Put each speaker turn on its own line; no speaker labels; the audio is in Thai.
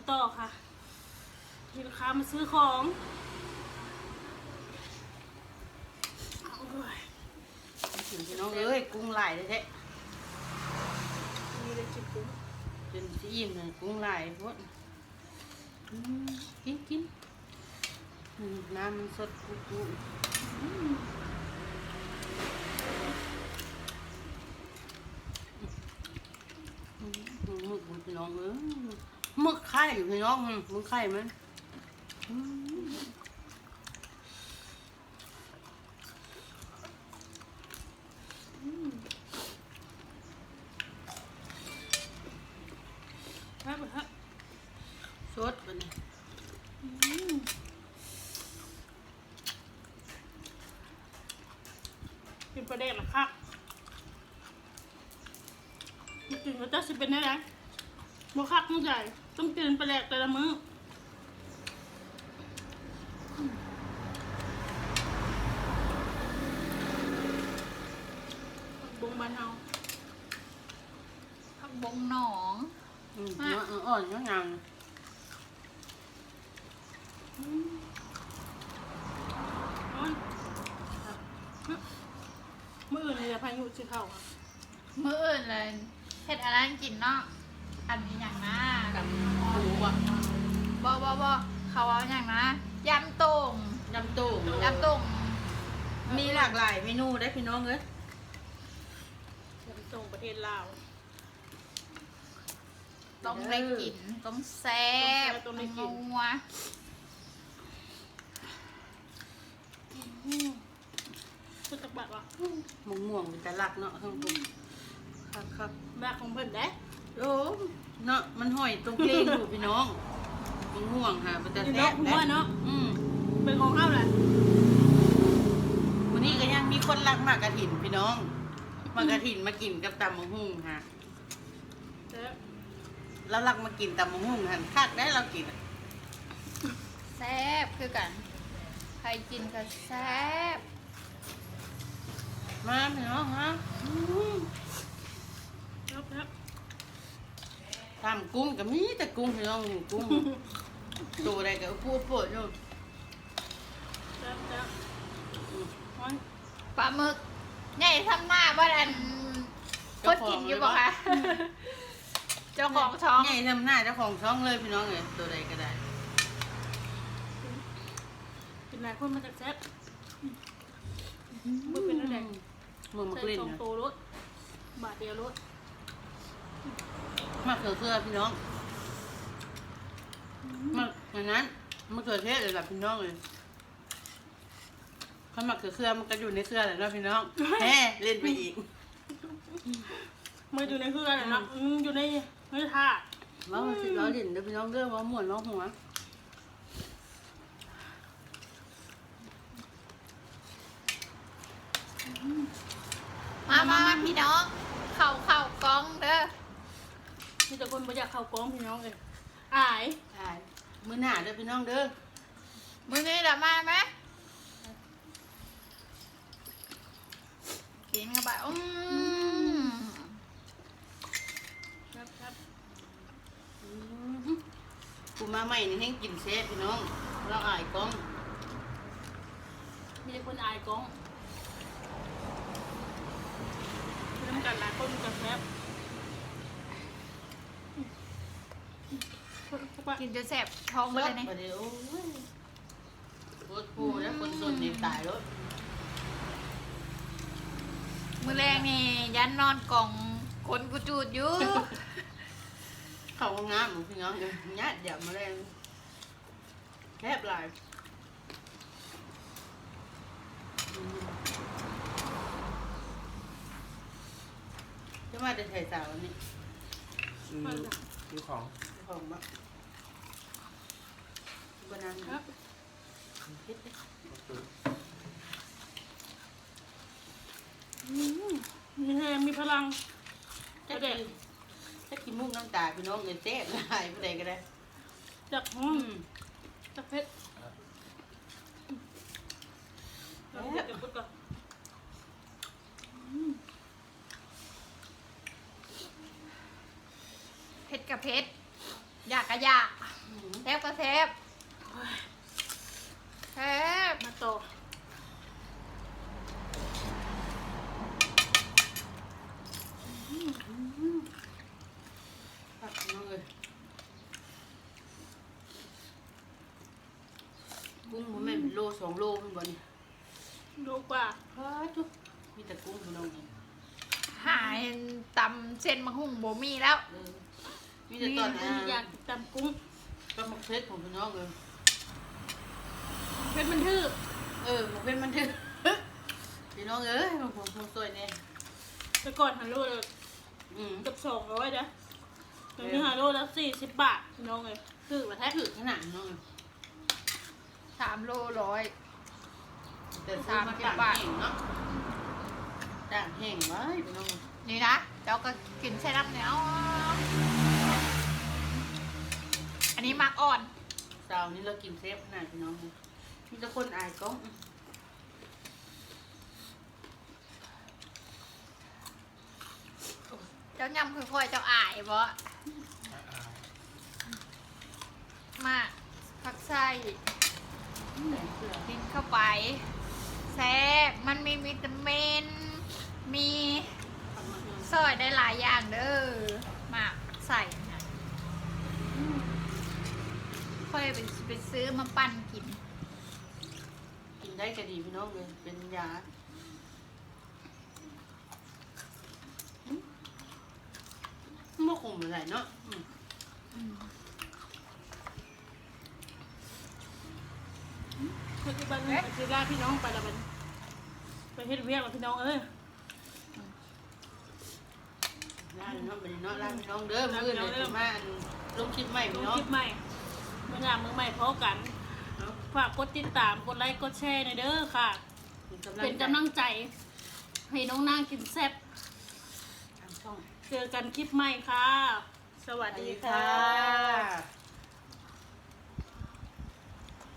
ต่อค่ะมีลูกค้ามาซื้อของ
กินพี่น้องเอ้ยกุ้งหลายเลยแท้
มีเลยกินกุ้ง
จนสิอิ่มเลยกุ้งหลายพวกกินน้ำมันสดกุ๊หมึกพี่น้องเอ้ยหมึกไข่อยู่พี่น้องหมึกไข่มันสดมัน
กินปลาแดกละค่ะกินก็จะสิเป็นได้ไหมโมคักมื้อใหญ่ต้องกินปลาแดกแต่ละมื้อบงบ้านเฮา
ผักบงหนอง
อ่อนยังยัง
มื้ออื่นเลยพายุสิเข้าค่ะ
มื้ออื่นเลยเฮ็ดอะไรกินเนาะอันนี้อย่างนะ
กับหมูอ่ะ
บ่เขาเอาอย่างนะยำตุ่ม
ยำตู้
ยำตุ่ม
มีหลากหลายเมนูได้พี่น้องเอ้ย
จะไปส่งประเทศลาว
ต้องได้กินต้องแซ่บ
ต้องได้กิน
นัว
คือจักบัดวะ
ม่วงเป็นตะลักเนาะทั้งผมครับ
แม่ของเพิ่นได้
โอ้เนาะมันห้อยตรงเพลงอยู่พี่น้องม่วงค่ะเป็นตะ
นี่
แซ่
เนาะ
บ
ผมว่าเนาะ
อืม
เป็นของเฮาแหละ
วันนี้ก็ยังมีคนรักหมากกระถินพี่น้องหมากกระถินมากินกับตำมะฮุ่งค่ะ แล้วรักมากินตำมะฮุ่งหันคักได้เรากิน
แซ่บคือกันใครกินก็แซ่บ
มาพี่น้องฮะ
ครับ
ตำกุ้งก็มีแต่กุ้งพี่น้องกุ้งตัวใดก็พูดโปรดอยู่
ครับ
ปลาหมึกใหญ่ทำหน้าบ้านอันคนกินอยู่บ่คะเจ้าของช่อง
ใหญ่ทำหน้าเจ้าของช่องเลยพี่น้องเลยตัวใดก็ได้
กินหลายคนมาจากแซ่บมือเป็นอะไร
มือมะ
ใส่
กลิ้น
สอง
นะ
โตรถบาทเดียวรถ
มะเขือเทศพี่น้องมะอย่างนั้นมะเขือเทศเลยล่ะพี่น้องเลยข้าวมะเขือเขือมันก็อยู่ในเสื้อแหละเนาะพี่น้องแฮ่เล่นไปอีก
มืออยู่ในเครื่องเนาะอยู่ในถาด
ว่ามันสิเราเล่นเด้อพี่น้องเด้อว่าม่วนว่าหัว
มาพี่น้องเข้ากล้องเด้อ
มีแต่คนบ่อยากเข้ากองพี่น้องเลยอาย
ใช่มื้อหน้าเด้อพี่น้องเด้อ
มื้อนี้ละมาไหมกินกันไป
ครับ
กูมาใหม่นี่ให้กินเซฟพี่น้องเราอายกล้อง
มีแต่คนอายกองคือน้ำกันหลายคนกับแซ่บ
กินจนแสบท้องไปเลยเนี่ย
มาเดี๋ยวโอ้ยโคตรปูแล้วคนสนนี่ตายแล้ว
มื้อแรกนี่ยันนอนกล่องคนกูจูดอยู่
เข้าห้องน้ำพี่น้องเดี๋ยวญาติเดี๋ยวมาแรงแคบหลายจะมาจะถ่ายสาวนี่
ซื้อของ
ของบ้างบนนั้น
ครับ
คิดดิ
ก็ซื้อ
มีแรงมีพลัง
จะได้ถ้ากินมุกน้ำตาพี่น้องเงินเจ๊หลายผู้ใดก็ได้
จากจากเพชรจากเพชรกับพุทธก่อน
เผ็ดกับเผ็ดอยากกะอยากแทบก็แทบแทบ
มาต่อ
ผักน้องเลยกุ้งมันแม่นเป็นโล2 โลมันบ่นี่
ดูกว่า
พาทุกมีแต่กุ้งพี่น้องนี่
หายตำเส้นมะฮุ่งบ่มีแล้ว
เออมีแต่ตอน
อยากตำกุ้ง
ก็มักเพชรของพี่น้องเลย
เป็นมันทื่อ
มันเป็นมันถึง พี่น้องเอ้ยผมสวยเนี่ย
แต่ก่อนฮัลโหลเลย
อืม
เกับ200นะเดี๋ยวนี้ฮัลโหลละ40 บาทพี่น้องเลยคือมาแท้
ถือขนาดน้อง
3 โลร้อย
แต่ซื้อมาต่างแห้งเนาะต่างแห้งไว้พี่น้อง
นี่นะเจ้าก็กินใช้น้ำเหนียวอันนี้มักอ่อน
เช้านี้เรากินเซฟขนาดพี่น้องมีแต่คนอายกล้อง
เจ้ายำค่อยๆเจ้าอายบ่มาผักไส้กินเข้าไปแซ่บมันมีวิตามินมีซอยได้หลายอย่างเด้อหมากใส่นะค่อยไปซื้อมาปั่นกิน
กินได้ก็ดีพี่น้องเลยเป็นยาไม่คงอะไรเนาะ
ปัจจุบันนี้คือลาพี่น้องไปละมันไปเฮ็ดเวียกกับพี่น้องเอ้ย
ร้านน้องเป็นเนาะร้านพี่น้องเด้อมื้อนี้จะมาลงคลิปใหม่
ล
พี่
ง
น้อง
คลิปใหม่เมื่อยามมือใหม่พอกันฝากกดติดตามกดไลค์กดแชร์ในอยเด้อค่ะ เป็นกำลังใจให้น้องนางกินแซ่บ
ทางช่อง
เจอกันคลิปใหม่ค่ะ สวัสดีค่ะ
ค่ะ